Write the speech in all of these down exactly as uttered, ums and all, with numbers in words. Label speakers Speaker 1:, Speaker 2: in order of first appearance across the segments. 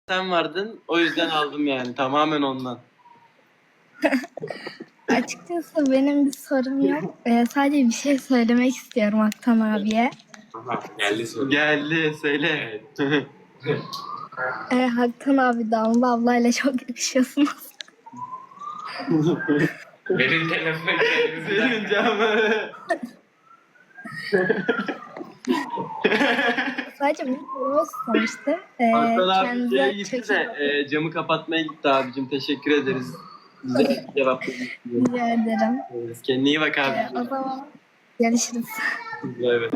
Speaker 1: sen vardın. O yüzden aldım yani. Tamamen ondan.
Speaker 2: Açıkçası benim bir sorum yok. Ee, sadece bir şey söylemek istiyorum Aktan abiye.
Speaker 3: Aha, geldi soru.
Speaker 1: Geldi. Söyle.
Speaker 3: Evet.
Speaker 2: Ee, Haktan abi Damla ablayla çok yakışıyorsunuz.
Speaker 3: Benim telefon
Speaker 1: Senin camı.
Speaker 2: Sadece bir sorum istemişti. Ee,
Speaker 1: Hakan abi
Speaker 2: kendinize
Speaker 1: şeye gitti
Speaker 2: çok
Speaker 1: de
Speaker 2: iyi bakın.
Speaker 1: e, camı kapatmaya gitti abicim. Teşekkür ederiz. Güzel cevap verdin.
Speaker 2: Rica ederim.
Speaker 1: Kendine iyi bak
Speaker 2: Ee,
Speaker 1: abi.
Speaker 2: o zaman görüşürüz.
Speaker 1: Evet.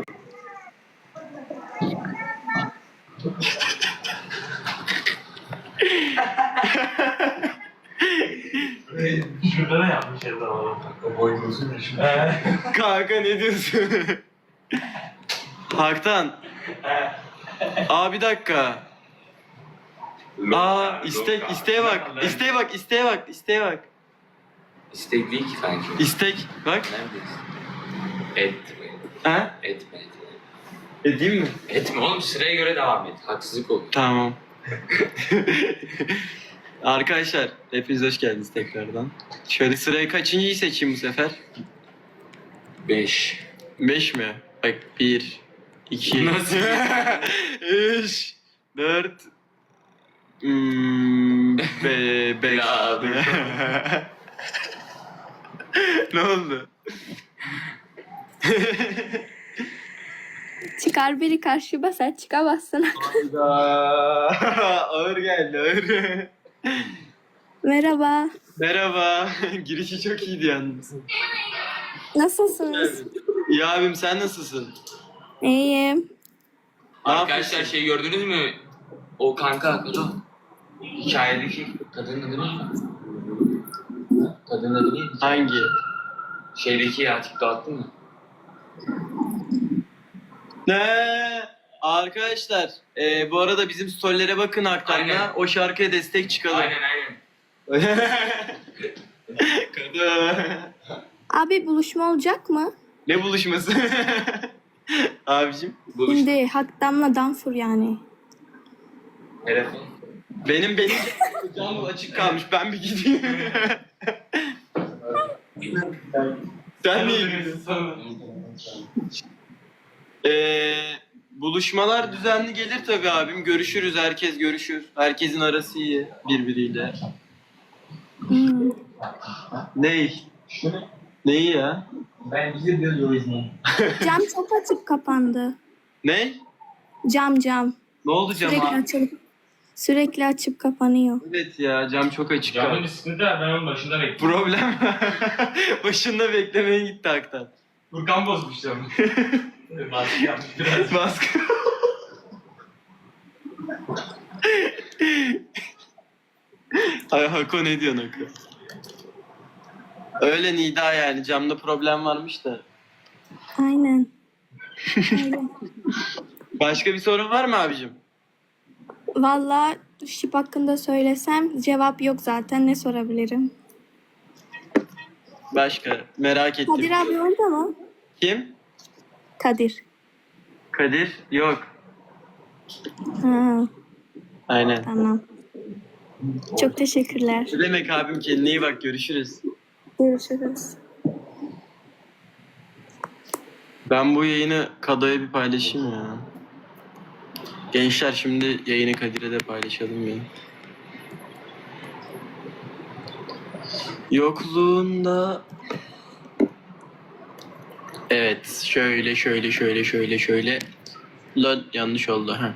Speaker 3: Şurada da yapmış her zaman. O boy diyorsun ya şimdi.
Speaker 1: Kanka ne diyorsun? Haktan. Aa bir dakika. Aa istek isteğe bak. İsteğe bak, isteğe bak, isteğe bak.
Speaker 3: İstek değil ki sanki.
Speaker 1: İstek bak.
Speaker 3: Neredesin? Et mi?
Speaker 1: Ha?
Speaker 3: Et mi?
Speaker 1: Edeyim mi?
Speaker 3: Et mi? Oğlum sıraya göre devam et. Haksızlık olur.
Speaker 1: Tamam. Arkadaşlar hepiniz hoş geldiniz tekrardan. Şöyle sırayı kaçıncıyı seçeyim bu sefer?
Speaker 3: Beş.
Speaker 1: Beş mi? Bak bir, iki,
Speaker 3: Nasıl?
Speaker 1: üç, dört, hmm, be, beş.
Speaker 3: Ya, dur.
Speaker 1: Ne oldu?
Speaker 4: Çıkar biri karşıma sen çıkamazsın.
Speaker 1: Hayda. Ağır geldi ağır.
Speaker 4: Merhaba.
Speaker 1: Merhaba. Girişi çok iyiydi yalnız.
Speaker 4: Nasılsınız?
Speaker 1: İyi abim sen nasılsın?
Speaker 4: İyiyim.
Speaker 1: Ne
Speaker 3: Arkadaşlar
Speaker 1: yapıyorsun?
Speaker 3: şey gördünüz mü? O kanka Kado. Hikayedeki kadının adı neydi? Kadının adı neydi?
Speaker 1: Hangi?
Speaker 3: Şeydeki ya TikTok attın mı?
Speaker 1: Ne? Arkadaşlar e, bu arada bizim storylere bakın Haktan'la.
Speaker 3: Aynen.
Speaker 1: O şarkıya destek çıkalım.
Speaker 3: Aynen aynen.
Speaker 1: Kadın.
Speaker 4: Abi buluşma olacak mı?
Speaker 1: Ne buluşması? Abicim.
Speaker 3: Buluş.
Speaker 4: Şimdi Hakdam'la Danfur yani.
Speaker 3: Telefon.
Speaker 1: Benim benim camım açık kalmış. Ben bir gideyim. Sen niye gidiyorsun? Ee, buluşmalar düzenli gelir tabii abim. Görüşürüz. Herkes görüşür. Herkesin arası iyi birbiriyle.
Speaker 4: Hmm.
Speaker 1: Ney? Neyi ya?
Speaker 3: Ben bizi diyor izleyin.
Speaker 4: Cam çok açıp kapandı.
Speaker 1: Ne?
Speaker 4: Cam cam.
Speaker 1: Ne oldu cam
Speaker 4: Sürekli
Speaker 1: abi?
Speaker 4: açılıp sürekli açıp kapanıyor.
Speaker 1: Evet ya cam çok açık.
Speaker 3: Camın
Speaker 1: kaldı.
Speaker 3: bir sıkıntı var, ben onun başında bekliyorum.
Speaker 1: Problem. Başında beklemeye gitti Haktan.
Speaker 3: Furkan bozmuş camı. Baskı yapmış biraz.
Speaker 1: Baskı. Ay Hako ne diyorsun Hako? Öyle Nida yani camda problem varmış da.
Speaker 4: Aynen. Aynen.
Speaker 1: Başka bir sorun var mı abicim?
Speaker 4: Vallahi şip hakkında söylesem cevap yok zaten, ne sorabilirim?
Speaker 1: Başka merak ettim.
Speaker 4: Kadir abi orada mı?
Speaker 1: Kim?
Speaker 4: Kadir.
Speaker 1: Kadir? Yok.
Speaker 4: Ha,
Speaker 1: Aynen.
Speaker 4: tamam. Çok teşekkürler.
Speaker 1: Ne demek abim, kendine iyi bak, görüşürüz.
Speaker 4: Görüşürüz.
Speaker 1: Ben bu yayını Kado'ya bir paylaşayım ya. Gençler şimdi yayını Kadir'e de paylaşalım ya. Yokluğunda... Evet, şöyle şöyle şöyle şöyle şöyle. Lan yanlış oldu ha.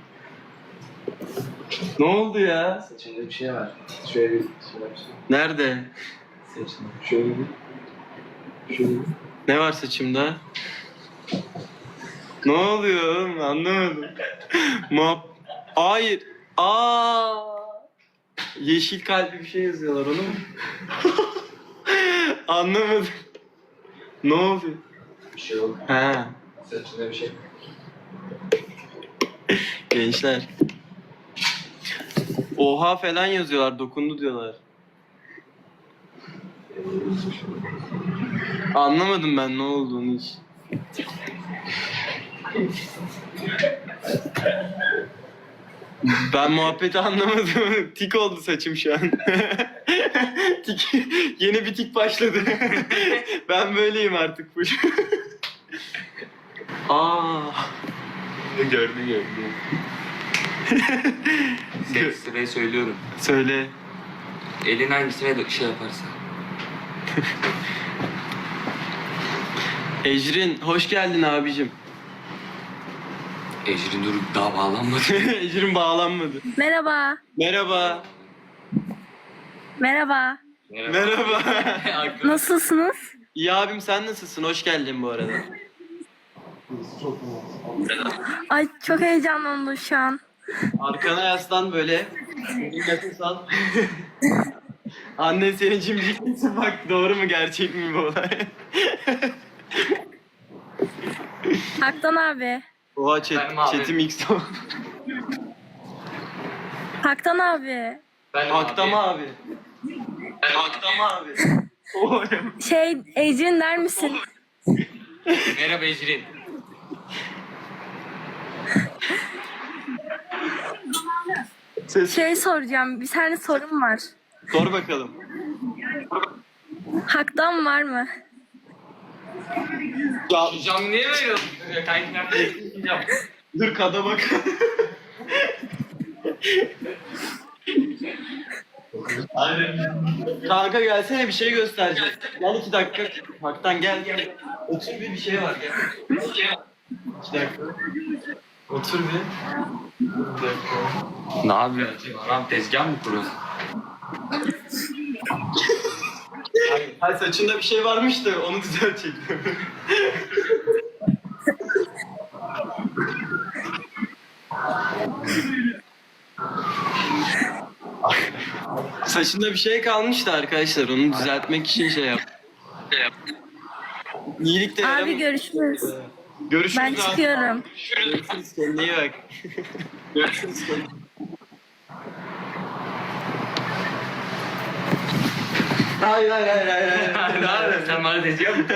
Speaker 1: Ne oldu ya?
Speaker 5: Saçında bir şey var. Şöyle bir şey var.
Speaker 1: Nerede?
Speaker 5: Saçında. Şöyle bir. Şöyle bir.
Speaker 1: Ne var saçımda? Ne oluyor oğlum? Anlamadım. Map. Hayır. Aa. Yeşil kalpli bir şey yazıyorlar, onu mu? Anlamadım. Ne oluyor?
Speaker 5: Bir şey oldu.
Speaker 1: Ha.
Speaker 5: Saçında bir şey.
Speaker 1: Gençler. Oha falan yazıyorlar, dokundu diyorlar. Anlamadım ben ne olduğunu hiç. Ben muhabbeti anlamadım. Tik oldu saçım şu an. Tik, yeni bir tik başladı. Ben böyleyim artık bu. Aa.
Speaker 3: Gördü gördü. Seks sırayı söylüyorum.
Speaker 1: Söyle.
Speaker 3: Elin hangisine de şey yaparsa.
Speaker 1: Ecrin hoş geldin abicim.
Speaker 3: Ecrin dur daha bağlanmadı.
Speaker 1: Ecrin bağlanmadı.
Speaker 4: Merhaba.
Speaker 1: Merhaba.
Speaker 4: Merhaba.
Speaker 1: Merhaba.
Speaker 4: Nasılsınız?
Speaker 1: İyi abim sen nasılsın? Hoş geldin bu arada.
Speaker 4: Ay çok heyecanlandım şu an.
Speaker 1: Arkana yaslan böyle. Nefes al. Annen seni cimciklesin bak doğru mu gerçek mi bu olay?
Speaker 4: Haktan abi.
Speaker 1: Oha chat,
Speaker 3: Benim abi.
Speaker 1: chatim X oldu.
Speaker 4: Haktan abi.
Speaker 3: Ben
Speaker 1: Haktama abi. Haktama abi. Oy.
Speaker 4: Şey Ecrin der misin?
Speaker 3: Merhaba Ecrin.
Speaker 1: Ses
Speaker 4: Şey soracağım. Bir tane sorum var.
Speaker 1: sor bakalım.
Speaker 4: Haktan var mı?
Speaker 1: Ya
Speaker 3: Cam niye böyle oluyor? Kanki nerede?
Speaker 1: dur kada bak. Kanka gelsene bir şey göstereceğim. Gel iki dakika. Haktan gel gel. Otur bir bir şey var gel. İki dakika. Otur bir. Bir dakika.
Speaker 3: Ne yapıyorsun? Adam tezgah mı kuruyorsun?
Speaker 1: Hayır saçında bir şey varmış da onu düzeltecektim. Saçında bir şey kalmıştı arkadaşlar. Onu düzeltmek için şey yap. İyilik de
Speaker 4: Abi
Speaker 1: yaramıyor.
Speaker 4: görüşürüz.
Speaker 1: Görüşürüz
Speaker 4: Ben
Speaker 1: abi.
Speaker 4: çıkıyorum.
Speaker 1: Görüşürüz kendine iyi bak. Görüşürüz kendine. Hayır hayır hayır hayır. hayır.
Speaker 3: Ne yapıyorsun? Sen bana tezgah mı?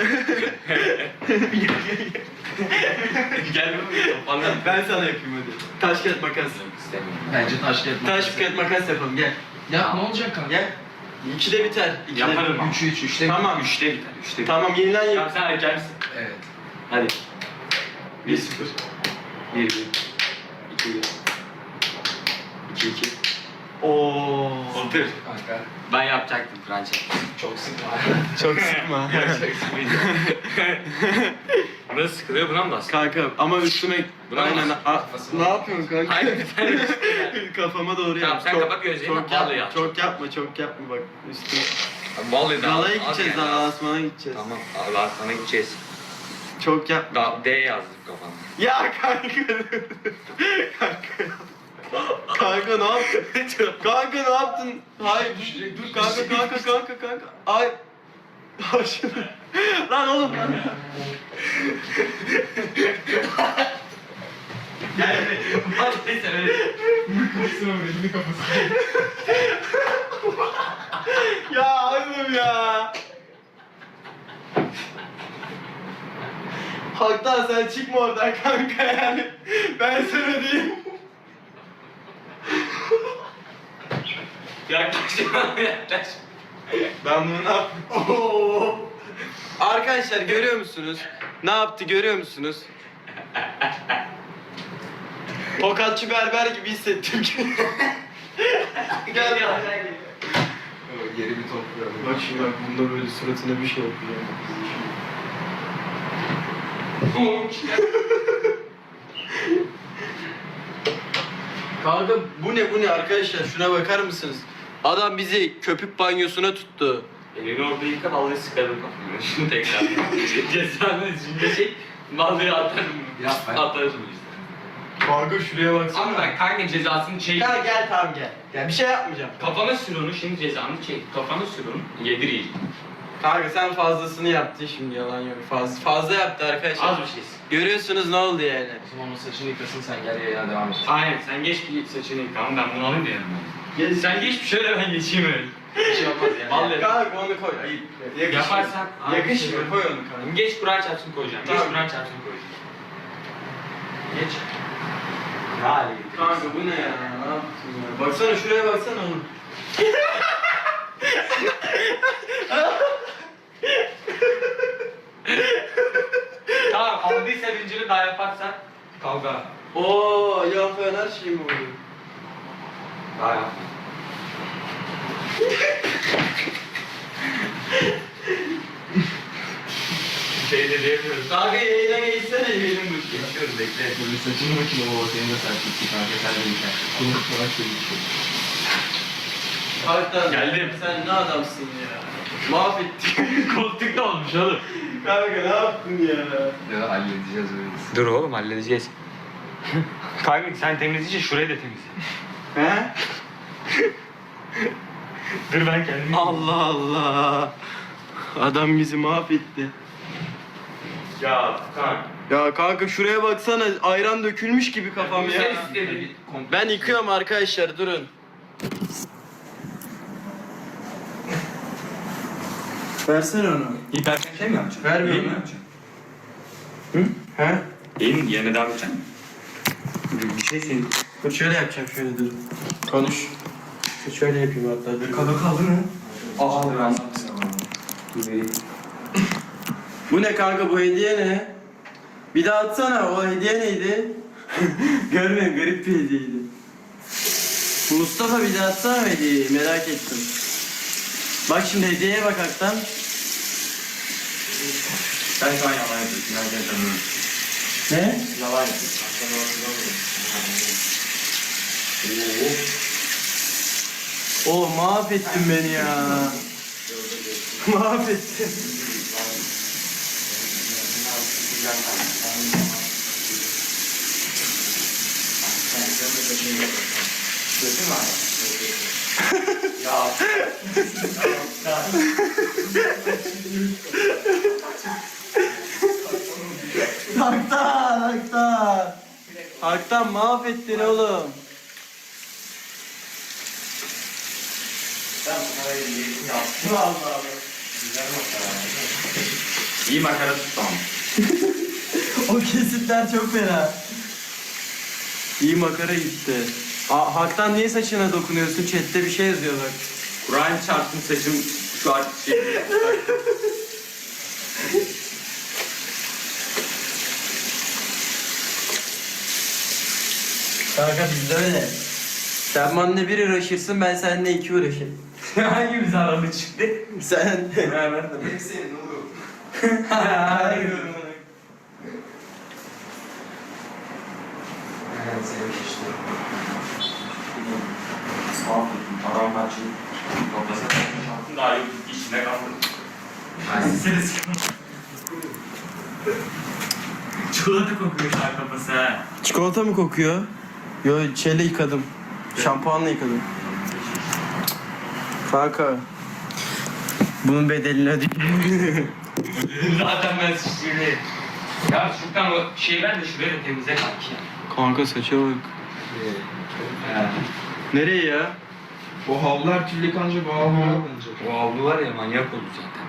Speaker 3: Gel bana.
Speaker 1: Ben sana yapayım hadi. Taş kağıt makas.
Speaker 3: İstemiyorum.
Speaker 5: Bence taş kağıt
Speaker 1: Taş kağıt makas yapalım gel.
Speaker 5: Ya ne olacak kanka?
Speaker 1: Gel. İkide biter. İkide
Speaker 3: Yaparım ama.
Speaker 5: üç üç üçte
Speaker 1: Tamam.
Speaker 3: Üçte biter. Üçte biter.
Speaker 1: Tamam yeniden
Speaker 3: Tamam
Speaker 1: yap.
Speaker 3: sen erken misin?
Speaker 5: Evet.
Speaker 3: Hadi.
Speaker 1: bir sıfır.
Speaker 3: Bir bir. İki bir. İki iki.
Speaker 1: Oo.
Speaker 3: Otur.
Speaker 5: Kanka
Speaker 3: Ben yapacaktım Kur'an çekti.
Speaker 5: çok sıkma.
Speaker 1: Çok sıkma.
Speaker 3: Burası sıkılıyor buna mı bastın?
Speaker 1: Kanka ama üstüme
Speaker 3: Buna
Speaker 1: aynen.
Speaker 3: bas.
Speaker 1: A- ne yapıyorsun kanka?
Speaker 3: Hayır bir tane.
Speaker 1: Kafama doğru
Speaker 3: Tamam,
Speaker 1: yap.
Speaker 3: sen
Speaker 1: Çok-
Speaker 3: kapat gözlerini,
Speaker 1: Çok,
Speaker 3: vallahi
Speaker 1: yap,
Speaker 3: yap.
Speaker 1: çok yapma, çok yapma bak üstüme.
Speaker 3: Vallahi daha.
Speaker 1: Galaya
Speaker 3: az
Speaker 1: gideceğiz,
Speaker 3: yani.
Speaker 1: daha Asman'a gideceğiz.
Speaker 3: Tamam. Allah sana gideceğiz.
Speaker 1: Çok yapma.
Speaker 3: Da D yazdım kafana.
Speaker 1: Ya kanka. kanka. Kanka ne yaptın? kanka ne yaptın? Hayır dur, dur kanka kanka kanka kanka. Ay. Ay şunu. Lan oğlum.
Speaker 3: Gel. Hadi neyse öyle.
Speaker 1: ya oğlum ya. Haktan sen çıkma oradan kanka yani. Ben sana diyeyim.
Speaker 3: Yaklaş. Yaklaş.
Speaker 1: Ben bunu ne yaptım? Oo. Arkadaşlar görüyor musunuz? Ne yaptı görüyor musunuz? Tokatçı berber gibi hissettim ki. Gel ya.
Speaker 5: Yeri bir topluyorum.
Speaker 1: Bak şimdi bak bunda böyle suratına bir şey yapıyor. Kanka bu ne bu ne arkadaşlar şuna bakar mısınız? Adam bizi köpük banyosuna tuttu.
Speaker 3: Elini orada yıka vallahi sıkarım kafamı. Şimdi tekrar. Cezanı içinde şey. Vallahi atarım.
Speaker 5: Yapma.
Speaker 3: Atarım işte.
Speaker 1: Kanka şuraya baksana.
Speaker 3: Ama ben kanka cezasını çek.
Speaker 1: Gel gel tamam gel. Gel bir şey yapmayacağım.
Speaker 3: Kafana sür onu şimdi cezanı çek. Kafana sür onu. Yedir iyice.
Speaker 1: Kanka sen fazlasını yaptın şimdi yalan yok. Fazla fazla yaptı arkadaşlar.
Speaker 3: Az bir şeysin.
Speaker 1: Görüyorsunuz ne oldu yani?
Speaker 5: O zaman onun saçını yıkasın sen gel yayına devam et.
Speaker 3: Aynen sen geç bir saçını yıka ama ben bunu alayım da yanıma.
Speaker 1: Gel.
Speaker 3: Sen geç bir şöyle ben geçeyim öyle.
Speaker 5: Bir şey olmaz yani.
Speaker 3: Vallahi.
Speaker 1: Kanka onu koy. Ayıp. Yakışmıyor.
Speaker 3: Yaparsan.
Speaker 1: Yakışmıyor. Koy onu kanka.
Speaker 3: Geç Kur'an çarpsın koyacağım. Geç
Speaker 1: Tamam.
Speaker 3: Kur'an çarpsın koyacağım. Geç. Ne hale
Speaker 1: Kanka bu ne ya? Ne yaptın ya? Baksana şuraya baksana oğlum.
Speaker 3: Tamam aldıysa zinciri daha yaparsan kavga.
Speaker 1: Oo ya falan her şey mi oluyor?
Speaker 3: Daha yap. Şey de diyemiyoruz.
Speaker 1: Kanka yayına geçsene yiyelim bu işi.
Speaker 3: Geçiyoruz bekle.
Speaker 5: Böyle saçını bakayım o senin de saç gitti kanka sen de bir tane. Bunu falan söyleyeceğim.
Speaker 1: Hakikaten
Speaker 3: Geldim.
Speaker 1: sen ne adamsın ya? Mahvettin.
Speaker 3: Koltukta olmuş oğlum.
Speaker 1: Kanka ne yaptın ya?
Speaker 5: Ya halledeceğiz öyle.
Speaker 3: Dur oğlum halledeceğiz. Kanka sen temizleyince şurayı da temizle.
Speaker 1: He?
Speaker 3: Dur ben kendim.
Speaker 1: Allah Allah. Adam bizi mahvetti.
Speaker 3: Ya kanka.
Speaker 1: Ya kanka şuraya baksana ayran dökülmüş gibi kafam ya.
Speaker 3: Sen istedin.
Speaker 1: Ben yıkıyorum arkadaşlar durun. Versene onu.
Speaker 3: Hiperten şey mi yapacaksın?
Speaker 1: Vermiyorum
Speaker 3: Yayın mı
Speaker 1: ya.
Speaker 3: yapacaksın?
Speaker 1: He?
Speaker 3: Yayın yerine devam edeceksin. Bir şey senin.
Speaker 1: Dur şöyle yapacağım şöyle dur. Konuş. Dur şöyle yapayım hatta dur.
Speaker 3: Kadı kaldı mı?
Speaker 5: Aa ben
Speaker 1: Bu ne kanka bu hediye ne? Bir daha atsana o hediye neydi? Görmüyorum garip bir hediyeydi. Mustafa bir daha atsana hediyeyi merak ettim. Bak şimdi hediyeye bak Aktan.
Speaker 3: Sen şu an yalan yapıyorsun. Nereden tanıyorum?
Speaker 1: Ne?
Speaker 3: Yalan yapıyorsun. Sen yalan
Speaker 1: Oh mahvettin beni ya. Mahvettin. Haktan, Haktan. Haktan mahvettin oğlum.
Speaker 3: İyi makara tuttu ama.
Speaker 1: O kesitler çok fena. İyi makara gitti. Aa, Haktan niye saçına dokunuyorsun? Chat'te bir şey yazıyor bak.
Speaker 3: Kur'an çarptım saçım şu an şey.
Speaker 1: Kanka bizde öyle. Sen benimle bir uğraşırsın, ben seninle iki uğraşırım.
Speaker 3: Hangi bir zararlı çıktı?
Speaker 1: Sen...
Speaker 3: Beraber de.
Speaker 5: Hep senin oğlum.
Speaker 1: Hayır.
Speaker 5: Evet senin işte. Mahvettim. Paramparçayı.
Speaker 3: Toplasana. Şansın daha yok. İçinde kaldı. Seni sıkıntı. Çikolata kokuyor şu an kafası ha.
Speaker 1: Çikolata mı kokuyor? Yo şeyle yıkadım. Şampuanla yıkadım. Kanka. Bunun bedelini ödeyeyim.
Speaker 3: Zaten ben sıçrayım. Ya şuradan o şey ver de şuraya da temizle kanki.
Speaker 1: Kanka saça bak.
Speaker 3: He.
Speaker 1: Nereye ya?
Speaker 5: O havlular kirli kanca bu havlular bence.
Speaker 3: O avlu var ya manyak oldu zaten.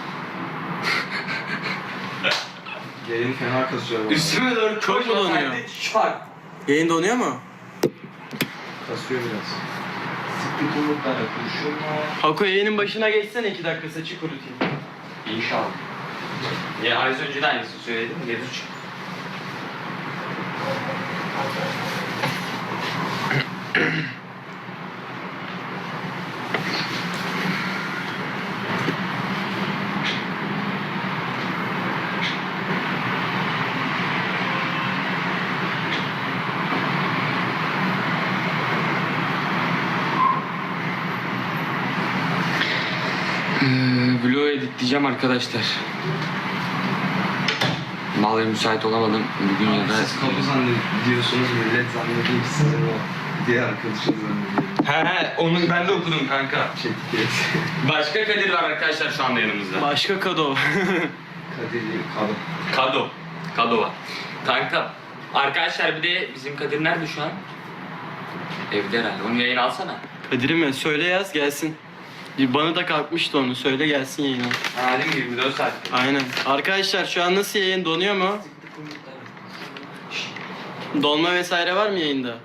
Speaker 5: Yayın fena kasıyor bana.
Speaker 3: Üstüme doğru
Speaker 1: Çok mu donuyor?
Speaker 3: Şak.
Speaker 1: Yayın donuyor mu?
Speaker 5: Kasıyor biraz. Sıklık umutlarla konuşuyor mu?
Speaker 1: Hako yayının başına geçsene iki dakika saçı kurutayım.
Speaker 3: İnşallah. Ya az önce de aynısını söyledim. Mevzu çıktı. Vlog editleyeceğim arkadaşlar. Vallahi müsait olamadım bugün ya da.
Speaker 5: Siz kapı zannediyorsunuz, millet zannediyor ki sizin o diğer arkadaşınız zannediyor.
Speaker 3: He he onu ben de okudum kanka.
Speaker 5: Çetik
Speaker 3: Başka Kadir var arkadaşlar şu anda yanımızda.
Speaker 1: Başka kado.
Speaker 5: Kadir değil, kadın.
Speaker 3: Kado. Kado var. Kanka arkadaşlar bir de bizim Kadir nerede şu an? Evde herhalde. Onu yayın alsana.
Speaker 1: Kadir'i mi? Söyle yaz gelsin. Bana da kalkmıştı onu. Söyle gelsin yayına.
Speaker 3: Ha değil mi? yirmi dört saat.
Speaker 1: Aynen. Arkadaşlar şu an nasıl yayın donuyor mu? Dolma vesaire var mı yayında?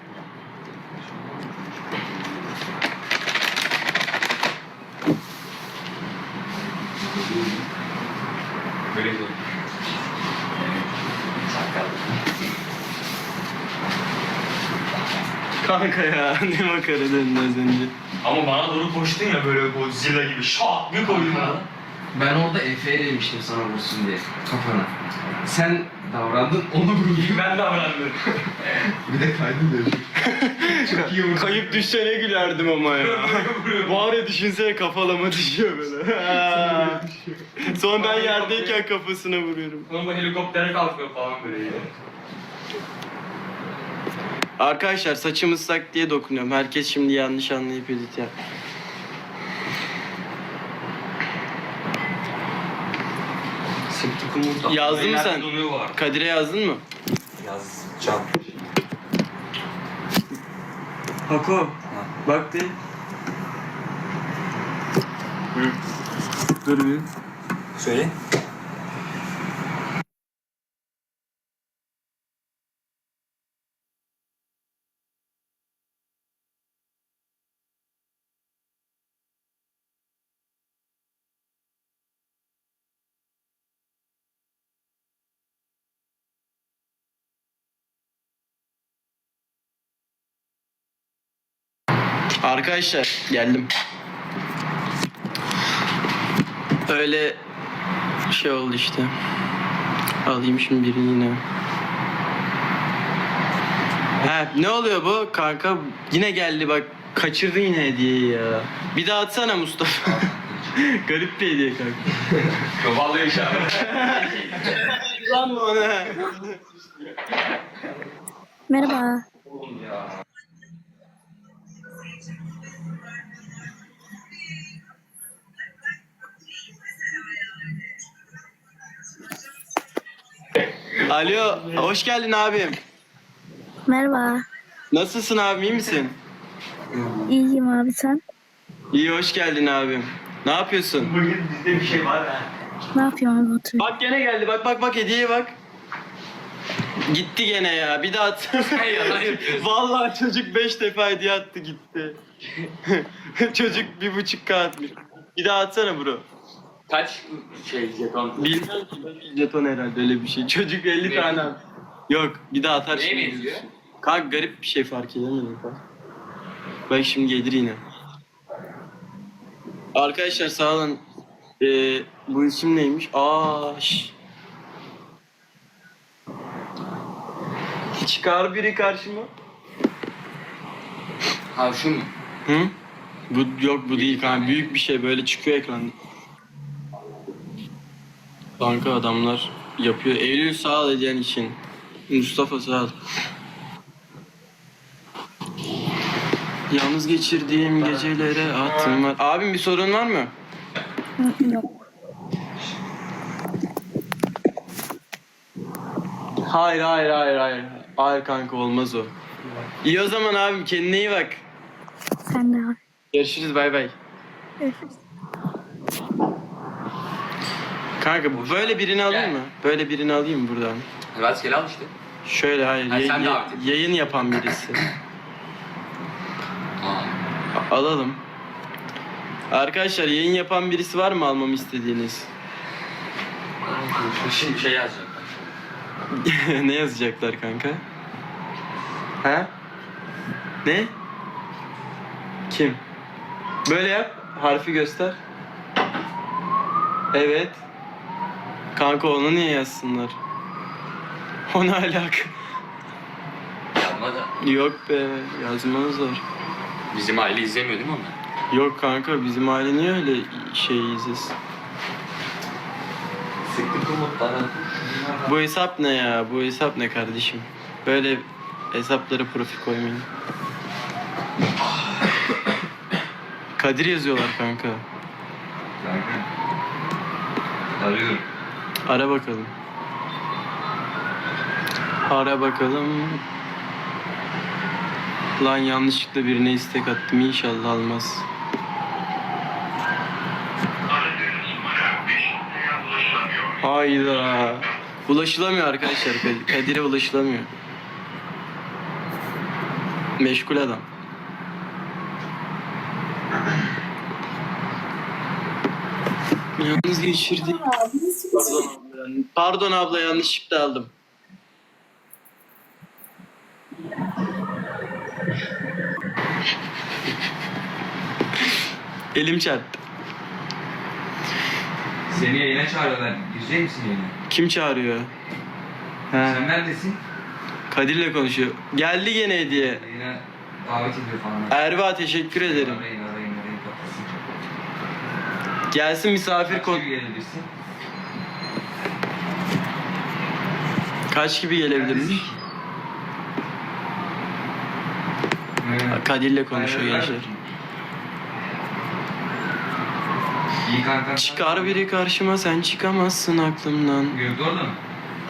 Speaker 3: Böyle diyor.
Speaker 1: Kanka ya ne makara dedin az önce.
Speaker 3: Ama bana doğru koştun ya böyle Godzilla gibi şak bir koydun bana.
Speaker 5: Ben orada Efe'ye demiştim sana vursun diye kafana. Sen davrandın onu vurdun.
Speaker 3: Ben davrandım.
Speaker 5: Bir de kaydın dedim. Çok iyi vurdun.
Speaker 1: Kayıp düşsene gülerdim ama ya. Var ya düşünsene kafalama düşüyor böyle. Sonra ben yerdeyken kafasına vuruyorum.
Speaker 3: Sonra bu helikoptere kalkıyor falan böyle.
Speaker 1: Arkadaşlar saçım ıslak diye dokunuyorum. Herkes şimdi yanlış anlayıp edit yap.
Speaker 3: Sıktık umurta.
Speaker 1: Yazdın mı sen?
Speaker 3: Donuyor var.
Speaker 1: Kadir'e yazdın mı?
Speaker 3: Yazacağım.
Speaker 1: Hako. Bak de. Dur bir.
Speaker 3: Söyle.
Speaker 1: Arkadaşlar geldim. Öyle şey oldu işte. Alayım şimdi birini yine. He ne oluyor bu kanka? Yine geldi bak. Kaçırdın yine hediyeyi ya. Bir daha atsana Mustafa. Garip bir hediye kanka.
Speaker 3: Yo vallahi inşallah.
Speaker 1: Lan mı ona?
Speaker 4: Merhaba.
Speaker 3: Oğlum ya.
Speaker 1: Alo, hoş geldin abim.
Speaker 2: Merhaba.
Speaker 1: Nasılsın abim, iyi misin?
Speaker 2: İyiyim abi sen?
Speaker 1: İyi, hoş geldin abim. Ne yapıyorsun?
Speaker 3: Bugün bizde bir şey var ha.
Speaker 2: Ne yapıyorsun abi oturuyorsun?
Speaker 1: Bak gene geldi, bak bak bak hediyeye bak. Gitti gene ya, bir daha atsana.
Speaker 3: Hey yalan yapıyorsun.
Speaker 1: Vallahi çocuk beş defa hediye attı gitti. Çocuk bir buçuk K atmış. Bir daha atsana bro.
Speaker 3: Kaç şey jeton?
Speaker 1: Bilmiyorum ki, beş jeton herhalde öyle bir şey. Çocuk elli
Speaker 3: Ne?
Speaker 1: tane at. Yok, bir daha atar
Speaker 3: Neye
Speaker 1: şimdi.
Speaker 3: benziyor?
Speaker 1: Kanka garip bir şey fark edemedim kanka. Bak şimdi gelir yine. Arkadaşlar sağ olun. Ee, bu isim neymiş? Aa, şş. Çıkar biri karşıma.
Speaker 3: Ha şu mu?
Speaker 1: Hı? Bu yok bu değil kanka. Büyük bir şey böyle çıkıyor ekranda. Kanka adamlar yapıyor. Eylül sağ ol hediyen için. Mustafa sağ ol. Yalnız geçirdiğim gecelere attım var. Abim bir sorun var mı?
Speaker 2: Yok.
Speaker 1: Hayır hayır hayır hayır. Hayır kanka olmaz o. İyi o zaman abim kendine iyi bak.
Speaker 2: Sen de abi.
Speaker 1: Görüşürüz bay bay.
Speaker 2: Görüşürüz.
Speaker 1: Kanka böyle birini alayım mı? Böyle birini alayım mı buradan?
Speaker 3: Rastgele al işte.
Speaker 1: Şöyle hayır.
Speaker 3: Ha,
Speaker 1: yay-
Speaker 3: sen de
Speaker 1: yay-
Speaker 3: abi.
Speaker 1: yayın yapan birisi.
Speaker 3: Aa.
Speaker 1: A- alalım. Arkadaşlar yayın yapan birisi var mı almamı istediğiniz?
Speaker 3: Şimdi şey yazacaklar.
Speaker 1: Ne yazacaklar kanka? Ha? Ne? Kim? Böyle yap. Harfi göster. Evet. Kanka onu niye yazsınlar? O ne alaka?
Speaker 3: Yapma da.
Speaker 1: Yok be. Yazmazlar.
Speaker 3: Bizim aile izlemiyor değil mi onlar?
Speaker 1: Yok kanka bizim aile niye öyle şey izlesin?
Speaker 3: Sıktık umutlara.
Speaker 1: Bu hesap ne ya? Bu hesap ne kardeşim? Böyle hesaplara profil koymayın. Kadir yazıyorlar kanka.
Speaker 3: Kanka. Arıyorum.
Speaker 1: Ara bakalım. Ara bakalım. Lan yanlışlıkla birine istek attım. İnşallah almaz. Hayda. Ulaşılamıyor arkadaşlar. Kadir'e ulaşılamıyor. Meşgul adam. Yalnız geçirdik. Pardon abla. Pardon abla, yanlışlıkla aldım. Elim çarptı.
Speaker 5: Seni yayına çağırıyorlar. Girecek misin yayına?
Speaker 1: Kim çağırıyor? He.
Speaker 5: Sen neredesin?
Speaker 1: Kadir'le konuşuyor. Geldi gene hediye.
Speaker 5: Yayına davet ediyor falan.
Speaker 1: Erva teşekkür ederim.
Speaker 5: Arayın arayın arayın kapatsın.
Speaker 1: Gelsin misafir
Speaker 5: Kaç
Speaker 1: kon.
Speaker 5: gibi gelebilirsin?
Speaker 1: Kaç gibi gelebilirmiş?
Speaker 5: Evet.
Speaker 1: Kadir'le konuşuyor
Speaker 5: Aynen,
Speaker 1: gençler.
Speaker 5: İyi kanka.
Speaker 1: Çıkar biri karşıma, sen çıkamazsın aklımdan.
Speaker 5: Gördü orada mı?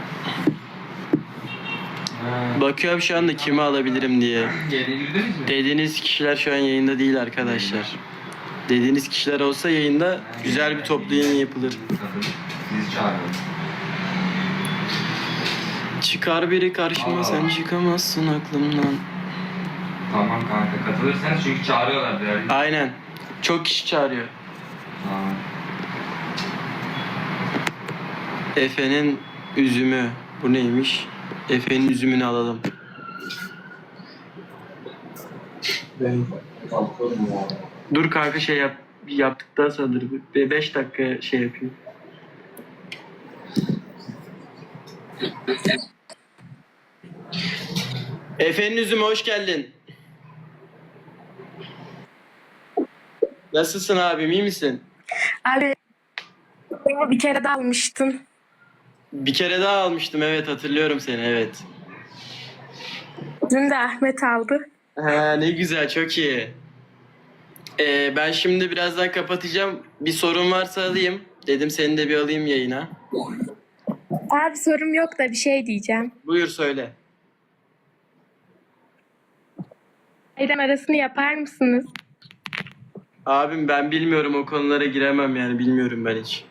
Speaker 5: Ha.
Speaker 1: Bakıyorum şu anda kimi alabilirim diye.
Speaker 5: Yerine girdiniz mi?
Speaker 1: Dediğiniz kişiler şu an yayında değil arkadaşlar. Dediğiniz kişiler olsa yayında güzel bir toplu yayın yapılır.
Speaker 5: Sizi çağırıyorum.
Speaker 1: Çıkar biri karşıma,
Speaker 5: Aa.
Speaker 1: sen çıkamazsın aklımdan.
Speaker 5: Tamam kanka katılırsanız çünkü çağırıyorlar değerli.
Speaker 1: Aynen. Çok kişi çağırıyor.
Speaker 5: Tamam.
Speaker 1: Efe'nin üzümü. Bu neymiş? Efe'nin üzümünü alalım. Dur kanka, şey yap, yaptıktan sonra dur. Bir beş dakika şey yapayım. Efe'nin üzümü hoş geldin. Nasılsın abim, iyi misin?
Speaker 6: Abi beni bir kere daha almıştın.
Speaker 1: Bir kere daha almıştım, evet hatırlıyorum seni, evet.
Speaker 6: Dün de Ahmet aldı.
Speaker 1: Ha, ne güzel, çok iyi. Ee, ben şimdi birazdan kapatacağım. Bir sorun varsa alayım. Dedim seni de bir alayım yayına.
Speaker 6: Abi sorum yok da bir şey diyeceğim.
Speaker 1: Buyur söyle.
Speaker 6: Bayram arasını yapar mısınız?
Speaker 1: Abim ben bilmiyorum, o konulara giremem yani, bilmiyorum ben hiç.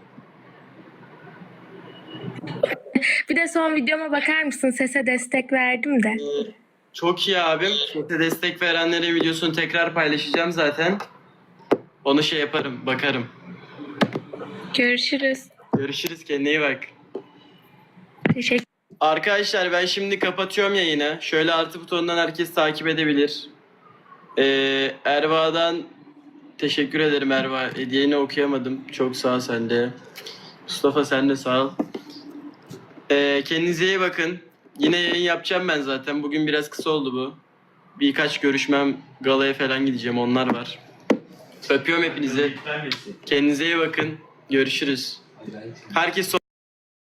Speaker 6: Bir de son videoma bakar mısın? Sese destek verdim de.
Speaker 1: Ee, çok iyi abim. Sete destek verenlerin videosunu tekrar paylaşacağım zaten. Onu şey yaparım, bakarım.
Speaker 6: Görüşürüz.
Speaker 1: Görüşürüz, kendine iyi bak.
Speaker 6: Teşekkür
Speaker 1: Arkadaşlar ben şimdi kapatıyorum yayını. Şöyle artı butonundan herkes takip edebilir. Ee, Erva'dan teşekkür ederim Erva. Hediyeni okuyamadım. Çok sağ ol sen de. Mustafa sen de sağ ol. Ee, kendinize iyi bakın. Yine yayın yapacağım ben zaten. Bugün biraz kısa oldu bu. Birkaç görüşmem, galaya falan gideceğim. Onlar var. Öpüyorum hepinizi. Kendinize iyi bakın. Görüşürüz. Herkes